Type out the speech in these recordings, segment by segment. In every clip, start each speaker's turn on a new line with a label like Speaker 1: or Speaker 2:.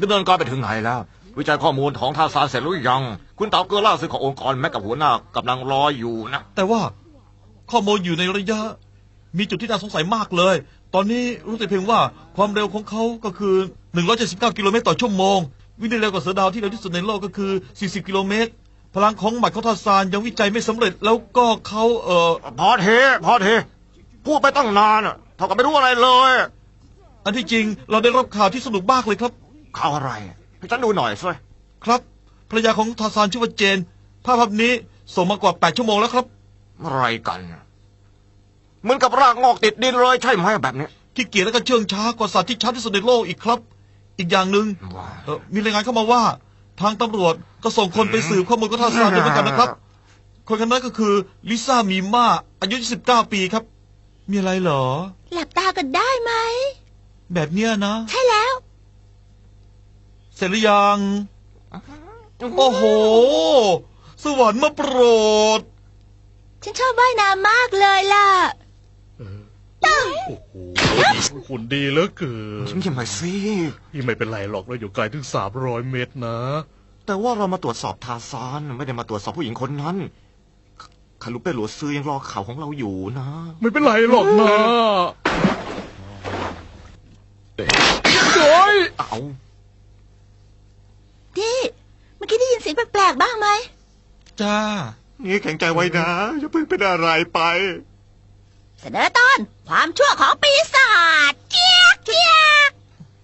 Speaker 1: ดำเนินการไปถึงไหนแล้ววิจัยข้อมูลของทาซานเสร็จหรือยังคุณเต่าเกอล่าสุดขององค์กรแม็กกับหัวหน้ากำลังรออยู่นะ
Speaker 2: แต่ว่าข้อมูลอยู่ในระยะมีจุดที่น่าสงสัยมากเลยตอนนี้รู้แต่เพียงว่าความเร็วของเขาก็คือ179กิโลเมตรต่อชั่วโมงวิ่งได้เร็วกว่าเสือดาวที่เร็วที่สุดในโลกก็คือ40กิโลเมตรพลังของหมัดของทาซานยังวิจัยไม่สำเร็จแล้วก็เขา
Speaker 1: พอเทพูดไปตั้งนานเท่ากับไม่รู้อะไรเลย
Speaker 2: อันที่จริงเราได้รับข่าวที่สนุกมากเลยครับ
Speaker 1: ข่าวอะไรให้ฉันดูหน่อยสิ
Speaker 2: ครับภรรยาของทาซานชื่อว่าเจนภาพนี้ส่งมากว่า8ชั่วโมงแล้วครับ
Speaker 1: อะไรกันเหมือนกับรากงอกติดดินเลยใช่ไหมแบบนี้
Speaker 2: ขี้เกียจและก็เชื่องช้ากว่าสัตว์ที่ชัดที่สุดในโลกอีกครับอีกอย่างหนึ่งมีรายงานเข้ามาว่าทางตำรวจก็ส่งคนไปสืบข้อมูลของทาซานด้วยเหมือนกันนะครับคนคนนั้นก็คือลิซ่ามีม่าอายุ29ปีครับมีอะไรเหรอ
Speaker 3: หลับตากันได้ไหม
Speaker 2: แบบเนี้ยนะ
Speaker 3: ใช่แล้ว
Speaker 2: เสร็จหรือยังโอ้โหสวรรค์มาโปรด
Speaker 3: ฉันชอบว่ายน้ำมากเลยล่ะ
Speaker 4: โอ้โหหุ่นดีเหลือเกิน
Speaker 1: ฉันยังไม่สิ
Speaker 4: ยังไม่เป็นไรหรอกเราอยู่ไกลถึง300 เมตรนะ
Speaker 1: แต่ว่าเรามาตรวจสอบทาซานไม่ได้มาตรวจสอบผู้หญิงคนนั้นคารุเป้หลัวซื้อยังรอข่าวของเราอยู่นะ
Speaker 4: ไม่เป็นไรหรอกนะโอ้ย
Speaker 1: เอา
Speaker 3: ดิเมื่อกี้ได้ยินเสียงแปลกๆบ้างไหม
Speaker 2: จ้า
Speaker 1: นี่แข็งใจไว้นะอย่าเพิ่งเป็นอะไรไป
Speaker 3: เสนอตอนความชั่วของปีศาจเจี๊ยกเจี๊ยก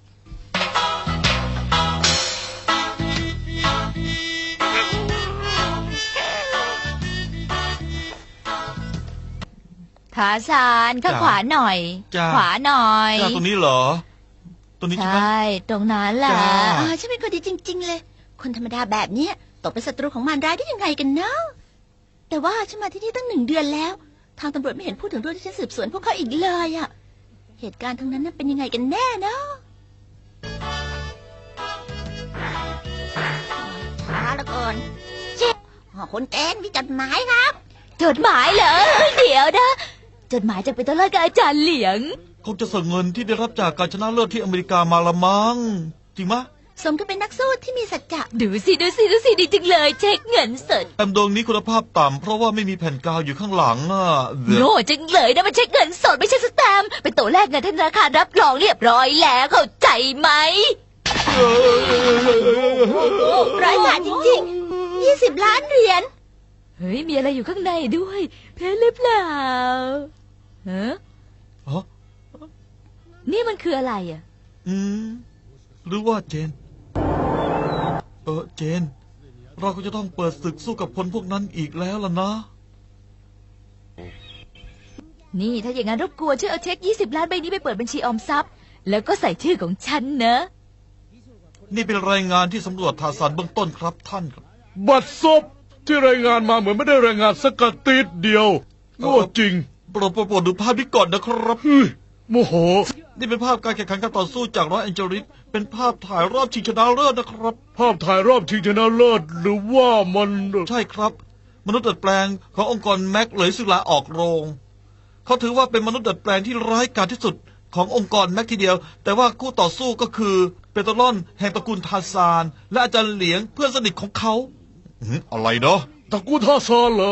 Speaker 5: ทาซานข้างขวาหน่อยขวาหน่อย
Speaker 2: ตรงนี้เหรอตรงนี้ใช่ไหม
Speaker 5: ใช่ตรงนั้นแหละ
Speaker 3: ฉันเป็นคนดีจริงๆเลยคนธรรมดาแบบนี้ตกเป็นศัตรูของมารร้ายได้ยังไงกันเนาะแต่ว่าฉันมาที่นี่ตั้ง1 เดือนแล้วทางตำรวจไม่เห็นพูดถึงเรื่องที่ฉันสืบสวนพวกเขาอีกเลยอะเหตุการณ์ทั้งนั้นน่ะเป็นยังไงกันแน่เนาะช้าเหลือเกินเจ๊คุณเจนมีจดหมายครับ
Speaker 5: จดหมายเหรอเดี๋ยวนะจดหมายจากเป็นตัวเลิศกับอาจารย์เหลียง
Speaker 2: คงจะส่งเงินที่ได้รับจากการชนะเลิศที่อเมริกามาละมั้งจริงมะ
Speaker 3: สมกับเป็นนักสู้ที่มีสัจจะ
Speaker 5: ดูสิดีจังเลยเช็คเงินสด
Speaker 2: แอมดวงนี้คุณภาพต่ำเพราะว่าไม่มีแผ่นกาวอยู่ข้างหลัง
Speaker 5: โง่จังเลยนะมันเช็คเงินสดไม่ใช่สแตมป์เป็นตัวแรกเงินธนาคารรับรองเรียบร้อยแล้วเข้าใจไหม
Speaker 3: ร้ายกาจจริงๆ20 ล้านเหรียญ
Speaker 5: เฮ้ยมีอะไรอยู่ข้างในด้วยเพชรหรือเปล่าฮะนี่มันคืออะไรอ่ะ
Speaker 2: หรือว่าเจนเจนเราก็จะต้องเปิดศึกสู้กับคนพวกนั้นอีกแล้วล่ะนะ
Speaker 5: นี่ถ้าอย่างนั้นรบกวนช่วยเอาเช็ค20 ล้านใบนี้ไปเปิดบัญชีออมทรัพย์แล้วก็ใส่ชื่อของฉันนะ
Speaker 2: นี่เป็นรายงานที่สำรวจทาซานเบื้องต้นครับท่านครับ
Speaker 4: บัตรศพที่รายงานมาเหมือนไม่ได้รายงานสักติดเดียวโง่จริง
Speaker 2: โปรดดูภาพนี้ก่อนนะครับ
Speaker 4: โมโห
Speaker 2: นี่เป็นภาพการแข่งขันการต่อสู้จากลอสแอนเจลิสเป็นภาพถ่ายรอบชิงชนะเลิศนะครับ
Speaker 4: ภาพถ่ายรอบชิงชนะเลิศหรือว่ามัน
Speaker 2: ใช่ครับมนุษย์ดัดแปลงขององค์กรแม็กเลยซึ่งลาออกโรงเขาถือว่าเป็นมนุษย์ดัดแปลงที่ร้ายกาจที่สุดขององค์กรแม็กทีเดียวแต่ว่าคู่ต่อสู้ก็คือเปโตรลอนแห่งตระกูลทาซานและอาจารย์เหลียงเพื่อนสนิทของเขาอะไรเนาะ
Speaker 4: ตระกูลทาซานเหรอ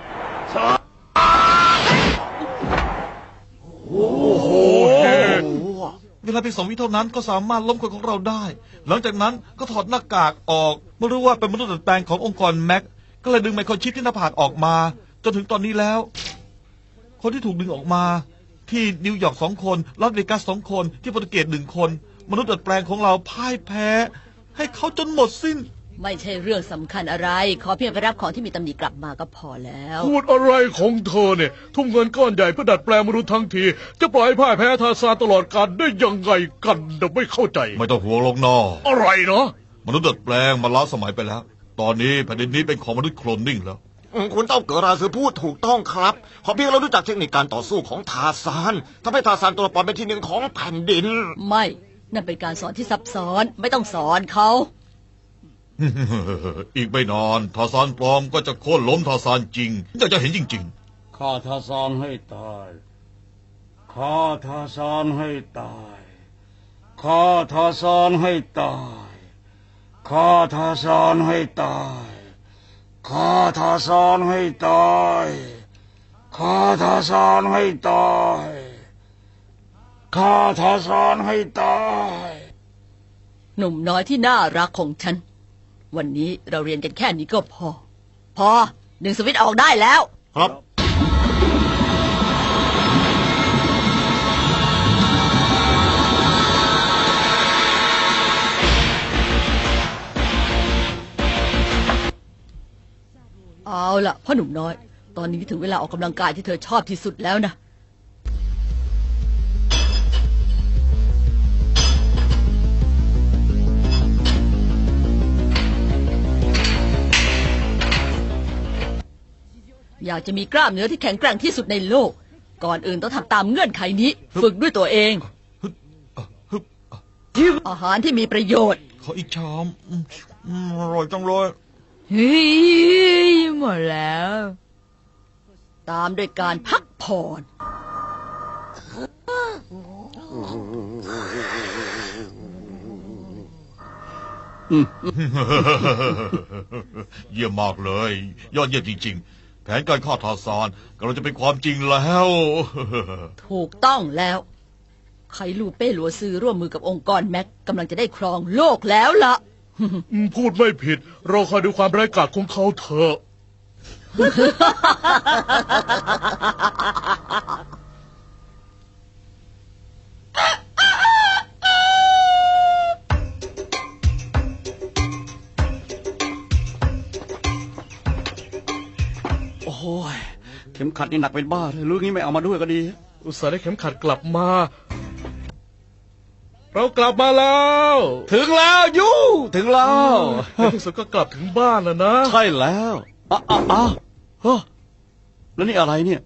Speaker 4: โอ้โห
Speaker 2: เวลาเพียง2 วิเท่านั้นก็สามารถล้มคนของเราได้หลังจากนั้นก็ถอดหน้ากากออกเมื่อรู้ว่าเป็นมนุษย์ดัดแปลงขององค์กรแม็กก็เลยดึงไมโครชิปที่หน้าผากออกมาจนถึงตอนนี้แล้วคนที่ถูกดึงออกมาที่นิวยอร์ก2 คนลาสเวกัส2 คนที่โปรตุเกส1 คนมนุษย์ดัดแปลงของเราพ่ายแพ้ให้เขาจนหมดสิ้น
Speaker 6: ไม่ใช่เรื่องสำคัญอะไรขอเพียงไปรับของที่มีตำหนิกลับมาก็พอแล้ว
Speaker 4: พูดอะไรของเธอเนี่ยทุ่มเงินก้อนใหญ่เพื่อดัดแปลงมนุษย์ทั้งทีจะปล่อยพ่ายแพ้ทาซานตลอดกาลได้ยังไงกันไม่เข้าใจ
Speaker 2: ไม่ต้องห่วงหรอกน้อ
Speaker 4: อะไรเนาะ
Speaker 2: มนุษย์ดัดแปลงมาล้าสมัยไปแล้วตอนนี้แผ่นดินนี้เป็นของมนุษย์โคลนนิ่งแล้ว
Speaker 1: คุณเต้าเกิดราซือพูดถูกต้องครับขอเพียงเรารู้จักเทคนิคการต่อสู้ของทาซานทำให้ทาซานตัวปลอมเป็นที่ 1ของแผ่นดิน
Speaker 6: ไม่นั่นเป็นการสอนที่ซับซ้อนไม่ต้องสอนเขา
Speaker 2: อีกไม่นานทาซานปลอมก็จะโค่นล้มทาซานจริงจะเห็นจริง
Speaker 7: ๆฆ่าทาซานให้ตายฆ่าทาซานให้ตายฆ่าทาซานให้ตายฆ่าทาซานให้ตายฆ่าทาซานให้ตายฆ่าทาซานให้ตายฆ่าทาซานให้ตาย
Speaker 6: หนุ่มน้อยที่น่ารักของฉัน วันนี้เราเรียนกันแค่นี้ก็พอดึงสวิตช์ออกได้แล้ว
Speaker 1: ครับ
Speaker 6: เอาล่ะพ่อหนุ่มน้อย ตอนนี้ถึงเวลาออกกำลังกายที่เธอชอบที่สุดแล้วนะ อยากจะมีกล้ามเนื้อที่แข็งแกร่งที่สุดในโลก ก่อนอื่นต้องทำตามเงื่อนไขนี้ ฝึกด้วยตัวเอง อาหารที่มีประโยชน์
Speaker 2: ขออีกชามอร่อยจังเลย
Speaker 5: เฮ้ยหมดแล้ว
Speaker 6: ตามด้วยการพักผ่อน
Speaker 2: เยี่ยมมากเลย ยอดเยี่ยมจริงๆ แผนการฆ่าทาซานกำลังจะเป็นความจริงแล้ว
Speaker 6: ถูกต้องแล้วไคลูเป้หลัวซือร่วมมือกับองค์กรแม็กกำลังจะได้ครองโลกแล้วล่ะ
Speaker 4: พูดไม่ผิด เราคอยดูความร้ายกาจของเขาเถอะ
Speaker 7: โอ้ยเข็มขัดนี่หนักเป็นบ้าเลยลูกนี้ไม่เอามาด้วยก็ดี
Speaker 4: อุตส่าห์ได้เข็มขัดกลับมา เรากลับมาแล้ว
Speaker 7: ถึงแล้วยูถึงแล้ว
Speaker 4: ในที่สุดก็กลับถึงบ้านแล้วนะ
Speaker 7: ใช่แล้วเฮ้อแล้วนี่อะไรเนี่ย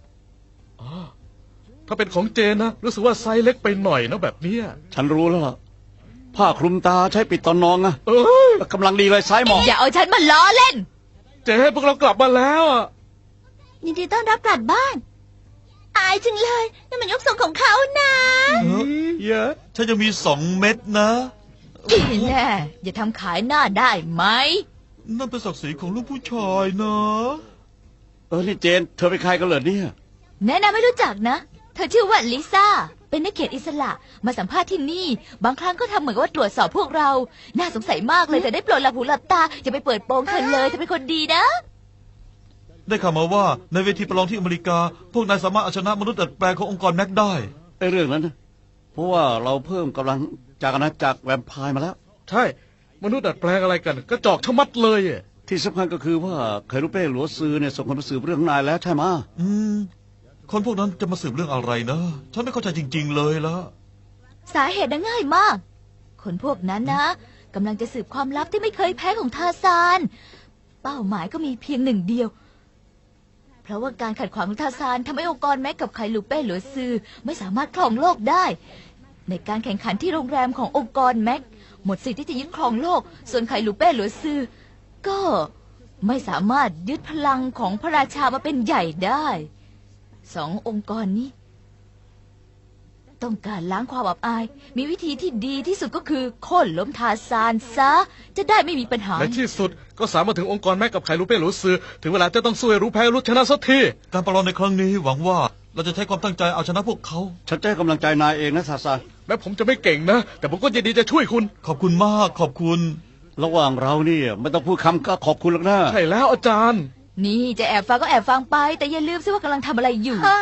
Speaker 4: ถ้าเป็นของเจนนะรู้สึกว่าไซส์เล็กไปหน่อยนะแบบเนี้ย
Speaker 7: ฉันรู้แล้วล่ะผ้าคลุมตาใช้ปิดตอนนอนนะ
Speaker 4: เอ้ย
Speaker 7: กำลังดีเลยซ้ายหมอง
Speaker 5: อย่าเอาฉันมาล้อเล่น
Speaker 4: เจนพวกเรากลับมาแล้วอะ
Speaker 3: ยินดีต้อนรับกลับบ้าน อายจังเลยนั่นมันยกทรงของเขานะ
Speaker 4: เยอะ
Speaker 2: ฉันจะมี2 เม็ดนะ
Speaker 5: ดีแน่อย่าทำขายหน้าได้ไหม
Speaker 2: นั่นเป็นศักดิ์ศรีของลูกผู้ชายนะ
Speaker 7: นี่เจนเธอเป็นใครกันเหรอเนี่ย
Speaker 5: แนะนำไม่รู้จักนะ เธอชื่อว่าลิซ่า เป็นนักเขียนอิสระ มาสัมภาษณ์ที่นี่ บางครั้งก็ทำเหมือนกับว่าตรวจสอบพวกเรา น่าสงสัยมากเลยแต่ได้โปรดหลับหูหลับตาอย่าไปเปิดโปงเธอเลยเธอเป็นคนดีนะ
Speaker 2: ได้ข่าวมาว่าในเวทีประลองที่อเมริกา พวกนายสามารถเอาชนะมนุษย์ดัดแปลงขององค์กรแม็กได้
Speaker 7: ไอ้เรื่องนั้นนะเพราะว่าเราเพิ่มกำลังจากอาณาจักรแวมไพร์มาแล้ว
Speaker 4: ใช่ มนุษย์ดัดแปลงอะไรกันกระจอกชะมัดเลยอะ
Speaker 7: ที่สำคัญก็คือว่าไครูเป้หลัวซือเนี่ยส่งคนมาสืบเรื่องนายแล้วใช่ไหมะ
Speaker 2: คนพวกนั้นจะมาสืบเรื่องอะไรนะ ฉันไม่เข้าใจจริงๆเลยละ
Speaker 5: สาเหตุน่ะง่ายมาก คนพวกนั้นนะกำลังจะสืบความลับที่ไม่เคยแพ้ของทาซาน เป้าหมายก็มีเพียงหนึ่งเดียว เพราะว่าการขัดขวางของทาซานทำให้องค์กรแม็กกับไคลูเป้หลัวซือไม่สามารถครองโลกได้ ในการแข่งขันที่โรงแรมขององค์กรแม็กหมดสิทธิ์ที่จะยึดครองโลก ส่วนไคลูเป้หลัวซือก็ไม่สามารถยึดพลังของพระราชามาเป็นใหญ่ได้สององค์กรนี้ ต้องการล้างความอับอาย มีวิธีที่ดีที่สุดก็คือโค่นล้มทาซานซะ จะได้ไม่มีปัญหา
Speaker 4: ในที่สุดก็สามารถถึงองค์กรแม็กกับไคลูเป้หลูซือถึงเวลาจะต้องสู้ให้รู้แพ้รู้ชนะสักที
Speaker 2: การประลองในครั้งนี้หวังว่าเราจะใช้ความตั้งใจเอาชนะพวกเขา
Speaker 7: ฉันจะให้กำลังใจนายเองนะซาซาน
Speaker 4: แม้ผมจะไม่เก่งนะ แต่ผมก็ยินดีจะช่วยคุณ
Speaker 2: ขอบคุณมากขอบคุณ
Speaker 7: ระหว่างเราเนี่ยไม่ต้องพูดคำก็ขอบคุณหรอกนะ
Speaker 4: ใช่แล้วอาจารย์
Speaker 5: นี่จะแอบฟังก็แอบฟังไป แต่อย่าลืมซิว่ากำลังทำอะไรอยู่
Speaker 3: ฮะ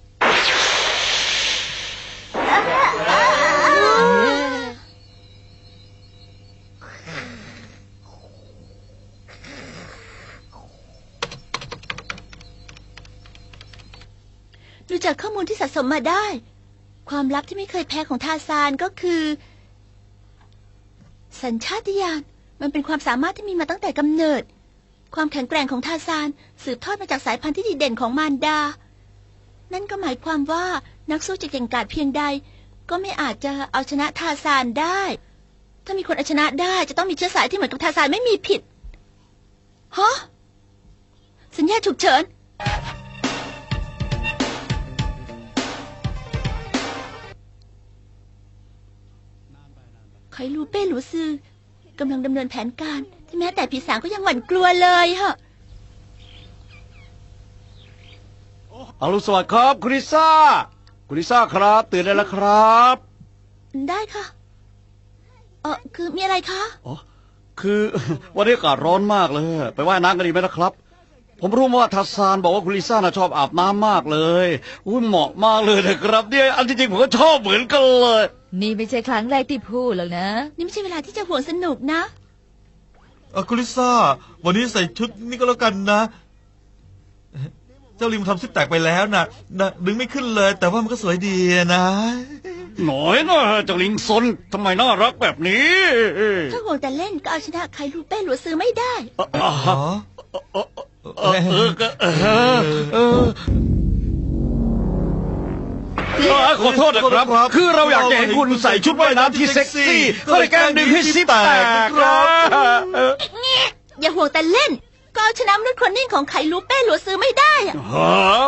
Speaker 3: ดูจากข้อมูลที่สะสมมาได้ ความลับที่ไม่เคยแพ้ของทาซานก็คือ สัญชาตญาณมันเป็นความสามารถที่มีมาตั้งแต่กำเนิด ความแข็งแกร่งของทาซานสืบทอดมาจากสายพันธุ์ที่ดีเด่นของมารดา นั่นก็หมายความว่านักสู้จะเก่งกาจเพียงใด ก็ไม่อาจจะเอาชนะทาซานได้ ถ้ามีคนเอาชนะได้จะต้องมีเชื้อสายที่เหมือนกับทาซานไม่มีผิดฮะสัญญาณฉุกเฉินไคลูเป้หลูซือกำลังดำเนินแผนการที่แม้แต่ผีสางก็ยังหวั่นกลัวเลยฮะ
Speaker 7: อรุณสวัสดิ์ครับคุณลิซ่าคุณลิซ่าครับตื่นได้แล้วครับ
Speaker 3: ได้ค่ะคือมีอะไรคะ
Speaker 7: อ๋อคือ วันนี้อากาศร้อนมากเลย ไปว่ายน้ำกันดีไหมนะครับ ผมรู้มาว่าทัสซานบอกว่าคุณลิซ่าน่ะชอบอาบน้ำมากเลยอุ้ยเหมาะมากเลยนะครับเนี่ยอันที่จริงผมก็ชอบเหมือนกันเลย
Speaker 5: นี่ไม่ใช่ครั้งแรกที่พูดหรอกนะ
Speaker 3: นี่ไม่ใช่เวลาที่จะห่วงสนุกนะ
Speaker 2: คุณลิซ่า วันนี้ใส่ชุดนี่ก็แล้วกันนะ เจ้าลิมทำซิปแตกไปแล้วนะดึงไม่ขึ้นเลย แต่ว่ามันก็สวยดีนะ
Speaker 7: หน่อยนะเจ้าลิงซนทำไมน่ารักแบบนี้
Speaker 3: ถ้าห่วงแต่เล่นก็เอาชนะใครลูเป้หลัวซื้อไม่ได้
Speaker 2: อ๋อ
Speaker 7: ขอโทษนะครับ คือเราอยากจะเห็นคุณใส่ชุดว่ายน้ำที่เซ็กซี่ก็เลยแกล้งดึงให้ซิปแตกครับ
Speaker 3: อย่าห่วงแต่เล่น ก็เอาชนะมนุษย์คนนิ่งของไข่ลูเป้หลัวซื้อไม่ได้อะ
Speaker 7: ฮะ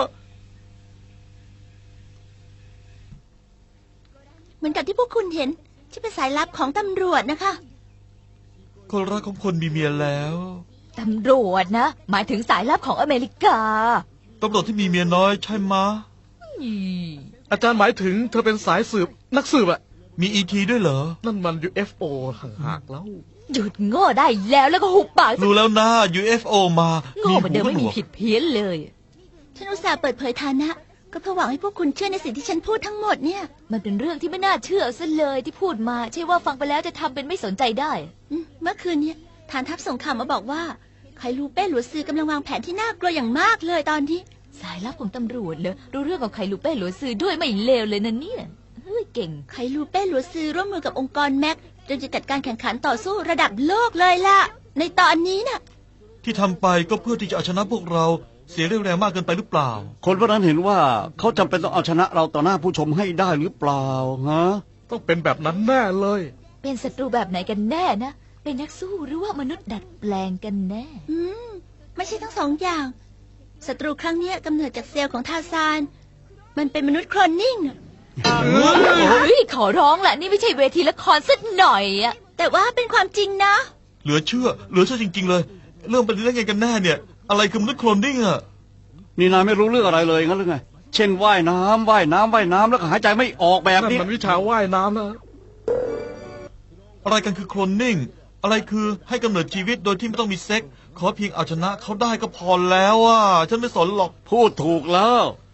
Speaker 3: เหมือนกับที่พวกคุณเห็นที่เป็นสายลับของตำรวจนะคะ
Speaker 2: คนรักของคนมีเมียแล้ว
Speaker 5: ตำรวจนะ หมายถึงสายลับของอเมริกา
Speaker 2: ตำรวจที่มีเมียน้อยใช่ไหมะ
Speaker 4: อาจารย์หมายถึงเธอเป็นสายสืบนักสืบอะ
Speaker 2: มีETด้วยเหรอ
Speaker 4: นั่นมัน UFO ห่างหากแล้ว
Speaker 5: หยุดโง่ได้แล้วก็หุบปากซะ
Speaker 2: รู้แล้วนะ UFO มา
Speaker 5: โง่เหมือนเดิมไม่มีผิดเพี้ยนเลย
Speaker 3: ฉันอุตส่าห์เปิดเผยฐานะ ก็เพื่อหวังให้พวกคุณเชื่อในสิ่งที่ฉันพูดทั้งหมดเนี่ย
Speaker 5: มันเป็นเรื่องที่ไม่น่าเชื่อซะเลยที่พูดมา ใช่ว่าฟังไปแล้วจะทำเป็นไม่สนใจได้
Speaker 3: เมื่อคืนเนี่ยฐานทัพส่งข่าวมาบอกว่าไข่ลูเป้หลัวซื้อกำลังวางแผนที่น่ากลัวอย่างมากเลยตอนนี้
Speaker 5: สายลับของตำรวจเลยรู้เรื่องของไข่ลูเป้หลัวซื้อด้วยไม่เลวเลยนะเนี่ยเฮ้ยเก่ง
Speaker 3: ไข่ลูเป้หลัวซื้อร่วมมือกับองค์กรแม็กจนจะจัดการแข่งขันต่อสู้ระดับโลกเลยล่ะ ในตอนนี้น่ะ
Speaker 2: ที่ทำไปก็เพื่อที่จะเอาชนะพวกเราเสียเรี่ยวแรงมากเกินไปหรือเปล่า
Speaker 7: คนพวกนั้นเห็นว่าเขาจำเป็นต้องเอาชนะเราต่อหน้าผู้ชมให้ได้หรือเปล่าฮะ
Speaker 4: ต้องเป็นแบบนั้นแน่เลย
Speaker 5: เป็นศัตรูแบบไหนกันแน่นะ เป็นนักสู้หรือว่ามนุษย์ดัดแปลงกันแน่
Speaker 3: ไม่ใช่ทั้งสองอย่างศัตรูครั้งเนี้ยกำเนิดจากเซลล์ของทาซาน มันเป็นมนุษย์โคลนนิ่งน่ะ
Speaker 5: เฮ้ยขอร้องแหละนี่ไม่ใช่เวทีละครสักหน่อยอะ
Speaker 3: แต่ว่าเป็นความจริงนะ
Speaker 2: เหลือเชื่อจริง ๆ เลย เรื่องเป็นเรื่องไงกันแน่เนี่ย อะไรคือมนุษย์โคลนนิ่งอะ
Speaker 7: นี่นายไม่รู้เรื่องอะไรเลยงั้นหรือไง เช่นว่ายน้ำแล้วก็หายใจไม่ออกแบบ
Speaker 4: นั่น
Speaker 7: นี้
Speaker 4: มันวิชาว่ายน้ำนะ
Speaker 2: อะไรกันคือโคลนนิ่ง อะไรคือให้กำเนิดชีวิตโดยที่ไม่ต้องมีเซ็ก ขอเพียงเอาชนะเขาได้ก็พอแล้วอ่ะ ฉันไม่สนหรอก
Speaker 7: พูดถูกแล้ว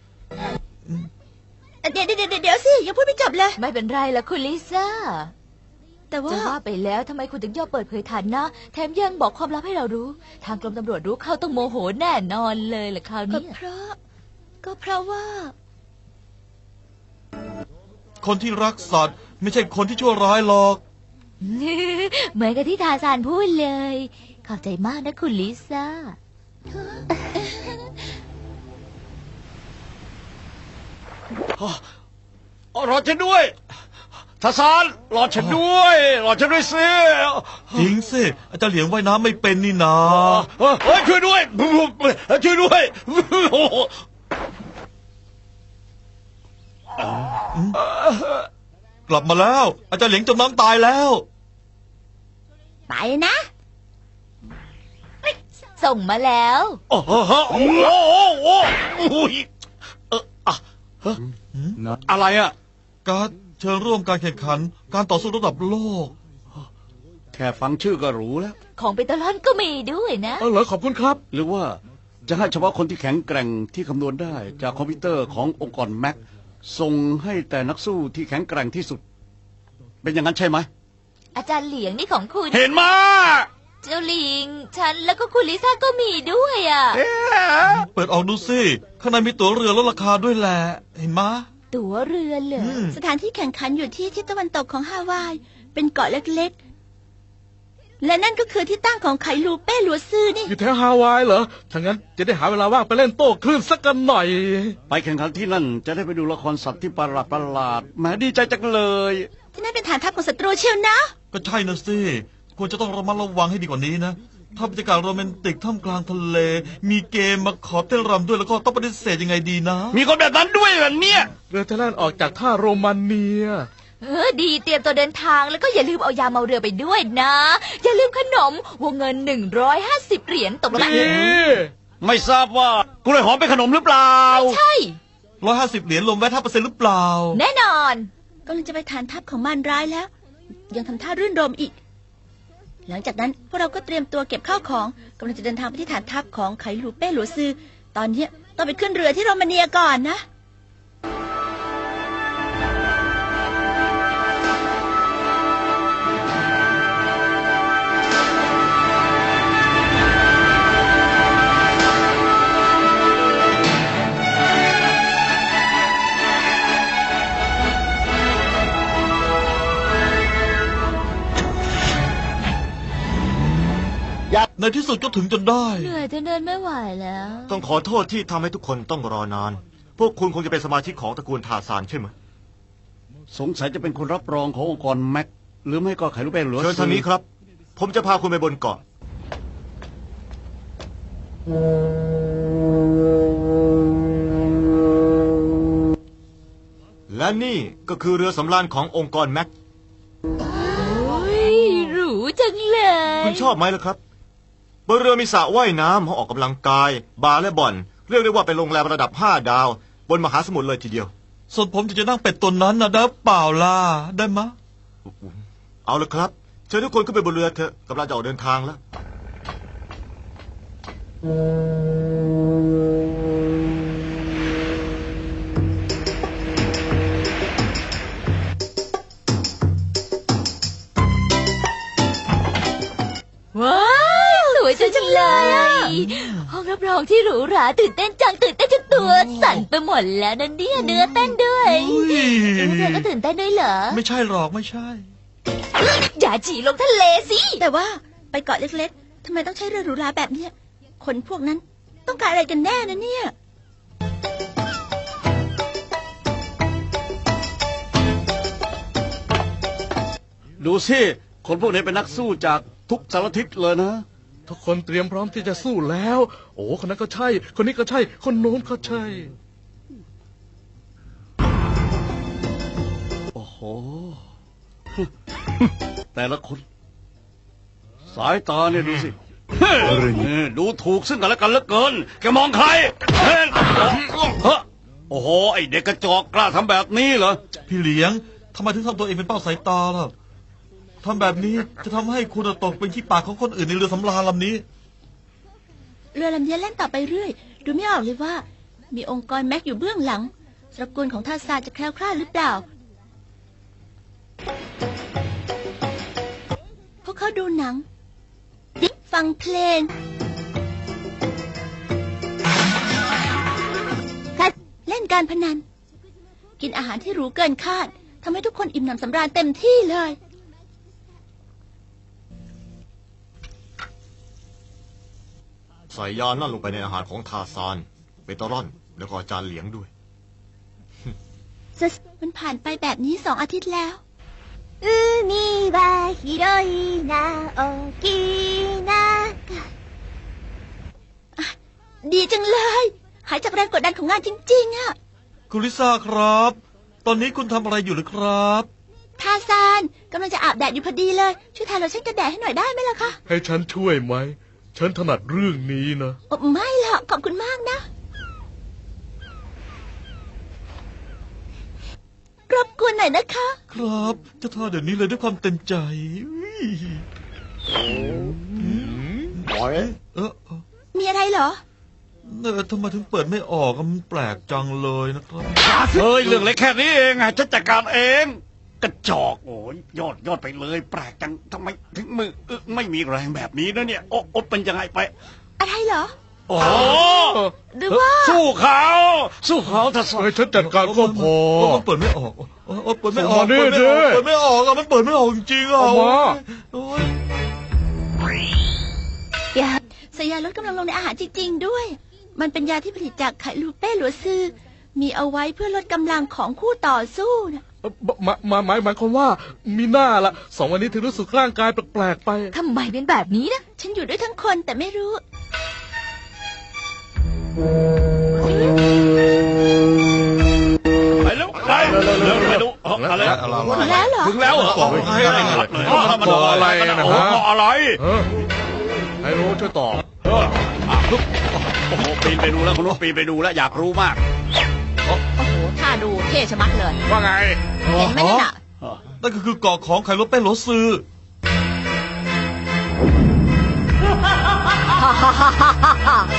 Speaker 3: เดี๋ยวสิยังพูดไม่จบเลย
Speaker 5: ไม่เป็นไรละคุณลิซ่า
Speaker 3: แต่ว่า
Speaker 5: จะว่าไปแล้วทำไมคุณถึงยอมเปิดเผยฐานะ แถมยังบอกความลับให้เรารู้ ทางกรมตำรวจรู้เข้าต้องโมโหแน่นอนเลยล่ะคราว
Speaker 3: ก็
Speaker 5: นี้
Speaker 3: เพราะว่า
Speaker 2: คนที่รักสัตว์ไม่ใช่คนที่ชั่วร้ายหรอก
Speaker 5: เหมือนกับที่ทาซานพูดเลย ขอบใจมากนะคุณลิซ่า
Speaker 7: รอฉันด้วยทัศานรอฉันด้วยสิ
Speaker 2: จริงสิ อาจารย์เหลียงว่ายน้ำไม่เป็นนี่นา
Speaker 7: เฮ้ยช่วยด้วย
Speaker 2: กลับมาแล้ว อาจารย์เหลียงจมน้ำตายแล้ว
Speaker 3: ไปนะ
Speaker 5: ส่งมาแล้ว
Speaker 7: โอ้โหอะไรอ่ะ
Speaker 2: การดเชิญร่วมการแข่งขัน การต่อสู้ระดับโลก
Speaker 7: แค่ฟังชื่อก็รู้แล้ว
Speaker 5: ของเปนตาลอนก็มีด้วยนะ
Speaker 4: เหรอขอบคุณครับ
Speaker 7: หรือว่าจะให้เฉพาะคนที่แข็งแกร่งที่คำนวณได้จากคอมพิวเตอร์ขององค์กรแม็กส่งให้แต่นักสู้ที่แข็งแกร่งที่สุด เป็นอย่างนั้นใช่ไหม
Speaker 5: อาจารย์เหลียงนี่ของคุณ
Speaker 7: เห็นมา
Speaker 5: เจ้าลิง ฉันแล้วก็คุณลิซ่าก็มีด้วยอ่ะ
Speaker 2: เปิดออกดูสิ ข้างในมีตั๋วเรือลดราคาด้วยแหละ เห็นมะ
Speaker 5: ตั๋วเรือเหรอ
Speaker 3: สถานที่แข่งขันอยู่ที่ทิศตะวันตกของฮาวาย เป็นเกาะเล็กๆ และนั่นก็คือที่ตั้งของไข่ลูเป้หลัวซื่อนี่
Speaker 4: อยู่แถวฮาวายเหรอถ้างั้นจะได้หาเวลาว่างไปเล่นโต้คลื่นสักกันหน่อย
Speaker 7: ไปแข่งขันที่นั่นจะได้ไปดูละครสัตว์ที่ประหลาดแหมดีใจจังเลย
Speaker 3: ที่นั่นเป็นฐานทัพของศัตรูเชียวนะ
Speaker 2: ก็ใช่นะสิ ควรจะต้องระมัดระวังให้ดีกว่านี้นะ ถ้าบรรยากาศโรแมนติกท่ามกลางทะเล มีเกมมาขอเต้นรำด้วยแล้วก็ต้องปฏิเสธยังไงดีนะ
Speaker 7: มีคนแบบนั้นด้วยเหรอเนี่ย
Speaker 4: เรือจะแล่นออกจากท่าโรมาเนีย
Speaker 5: ดีเตรียมตัวเดินทางแล้วก็อย่าลืมเอายาเมาเรือไปด้วยนะ อย่าลืมขนมวงเงิน150 เหรียญตกลงกัน
Speaker 4: นี่
Speaker 7: ไม่ทราบว่ากล้วยหอมเป็นขนมหรือเปล่า
Speaker 5: ใช่
Speaker 2: 150 เหรียญรวมแวะ5%หรือเปล่า
Speaker 5: แน่นอน
Speaker 3: กำลังจะไปฐานทัพของมารร้ายแล้ว ยังทำท่ารื่นรมอีก หลังจากนั้นพวกเราก็เตรียมตัวเก็บข้าวของกำลังจะเดินทางไปที่ฐานทัพของไคลูเป้หลัวซือตอนเนี้ยต้องไปขึ้นเรือที่โรมาเนียก่อนนะ
Speaker 2: ในที่สุดก็ถึงจนได้
Speaker 5: เหนื่อยจนเดินไม่ไหวแล้ว
Speaker 1: ต้องขอโทษที่ทำให้ทุกคนต้องรอนาน พวกคุณคงจะเป็นสมาชิกของตระกูลทาซานใช่ไหม
Speaker 7: สงสัยจะเป็นคนรับรองขององค์กรแม็กหรือไม่ก็ไข่ลูกเป้หรือ
Speaker 1: เชิญทางนี้ครับ ผมจะพาคุณไปบนเกาะ และนี่ก็คือเรือสำราญขององค์กรแม็ก
Speaker 5: โอ้ยหรูจังเลย
Speaker 1: คุณชอบไหมล่ะครับบนเรือมีสระว่ายน้ำห้องออกกำลังกาย บาร์และบ่อน เรียกได้ว่าเป็นโรงแรมระดับ5 ดาว บนมหาสมุทรเลยทีเดียว
Speaker 2: ส่วนผมจะนั่งเป็ดตัวนั้นนะได้เปล่าล่ะ ได้มะ
Speaker 1: เอาละครับ เชิญทุกคนขึ้นไปบนเรือเถอะกำลังจะออกเดินทางแล้ว
Speaker 5: ว้าวสวยจังเลยห้องรับรองที่หรูหราตื่นเต้นจังตื่นเต้นจนตัวสั่นไปหมดแล้วนั่นเนี่ยเนื้อเต้นด้วย
Speaker 2: อุ้ย
Speaker 5: เธอก็ตื่นเต้นด้วยเหรอ
Speaker 2: ไม่ใช่หรอกไม่ใช่
Speaker 5: อย่าฉี่ลงทะเลสิ
Speaker 3: แต่ว่าไปเกาะเล็กๆทำไมต้องใช้เรือหรูหราแบบเนี้ยคนพวกนั้นต้องการอะไรกันแน่นะเนี่ย
Speaker 7: ดูสิคนพวกนี้เป็นนักสู้จากทุกสารทิศเลยนะ
Speaker 4: ทุกคนเตรียมพร้อมที่จะสู้แล้ว โอ้คนนั้นก็ใช่ คนนี้ก็ใช่ คนโน้นก็ใช่
Speaker 7: โอ้โห แต่ละคน สายตาเนี่ยดูสิดูถูกซึ่งกันและกันเหลือเกินแกมองใครเฮ้ยโอ้โหไอเด็กกระจอกกล้าทำแบบนี้เหรอ
Speaker 2: พี่เลี้ยงทำไมถึงทำตัวเองเป็นเป้าสายตาล่ะทำแบบนี้จะทำให้คุณตกเป็นขี้ปากของคนอื่นในเรือสำราญลำนี้
Speaker 3: เรือลำนี้แล่นต่อไปเรื่อย ดูไม่ออกเลยว่า มีองค์กรแม็กอยู่เบื้องหลังตระกูลของทาซานจะแคล้วคลาดหรือเปล่า พวกเขาดูหนัง ฟังเพลง เล่นการพนัน กินอาหารที่หรูเกินคาดทำให้ทุกคนอิ่มหนำสำราญเต็มที่เลย
Speaker 1: ใส่ยานั่นลงไปในอาหารของทาซานเบตารอน แล้วก็จานเหลียงด้วย
Speaker 3: มันผ่านไปแบบนี้2 อาทิตย์แล้ว
Speaker 5: 海は広いな大きな
Speaker 3: ดีจังเลย หายจากแรงกดดันของงานจริงๆอะ
Speaker 2: คุณลิซ่าครับ ตอนนี้คุณทำอะไรอยู่หรือครับ
Speaker 3: ทาซานกำลังจะอาบแดดอยู่พอดีเลย ช่วยทาโลชั่นกันแดดให้หน่อยได้ไหมล่ะคะ
Speaker 4: ให้ฉันช่วยไหม ฉันถนัดเรื่องนี้นะ
Speaker 3: ไม่หรอกขอบคุณมากนะรบกวนหน่อยนะคะ
Speaker 2: ครับจะทาเดี๋ยวนี้เลยด้วยความเต็มใจเออ
Speaker 3: มีอะไรเหรอ
Speaker 2: ทำไมถึงเปิดไม่ออกอะมันแปลกจังเลยนะครับ
Speaker 7: เฮ้ยเรื่องเล็กแค่นี้เองอะฉันจัดการเอง กระจอกโอ้ยยอดไปเลย แปลกจังทำไมถึงมือไม่มีแรงแบบนี้นะเนี่ยโอ๊เป็นยังไงไป
Speaker 3: อะไรเหรอ
Speaker 7: โอ้
Speaker 3: หรือว่า
Speaker 7: สู้เขาถ้าสู้
Speaker 4: ให้ฉันจัดการก็พอ
Speaker 2: มันเปิดไม่ออกเปิดไม่ออก
Speaker 4: ส่งมาดิ
Speaker 2: เปิดไม่ออกอะมันเปิดไม่ออกจริงๆอะ
Speaker 4: เอามา
Speaker 2: โอ้ย
Speaker 3: ใส่ยาลดกำลังลงในอาหารจริงๆด้วย มันเป็นยาที่ผลิตจากไคลูเป้หลัวซือ มีเอาไว้เพื่อลดกำลังของคู่ต่อสู้นะ
Speaker 4: หมายความว่ามีหน้าละ2 วันนี้ถึงรู้สึกร่างกายแปลกๆไป
Speaker 5: ทำไมเป็นแบบนี้นะ
Speaker 3: ฉันอยู่ด้วยทั้งคนแต่ไม่รู้
Speaker 7: ไปแล้วไปดูแล้ว
Speaker 3: หมดแล้วเหรอ
Speaker 7: ถึงแล้วเหรอ
Speaker 2: เกาะอะไร
Speaker 4: เกาะอะไรกันนะฮะ
Speaker 7: เกาะอะไร
Speaker 4: ใครรู้ช่วยตอบ
Speaker 7: โอ้โหปีนไปดูแล้วคุณรู้ปีนไปดูแล้วอยากรู้มาก
Speaker 3: โอ้โหท่าดูเท่ชะมัดเลย
Speaker 7: ว่าไง
Speaker 3: เห็นไหมนั่นน่ะ
Speaker 2: นั่นก็คือเกาะของไคโรเป้โรซือ
Speaker 3: ฮ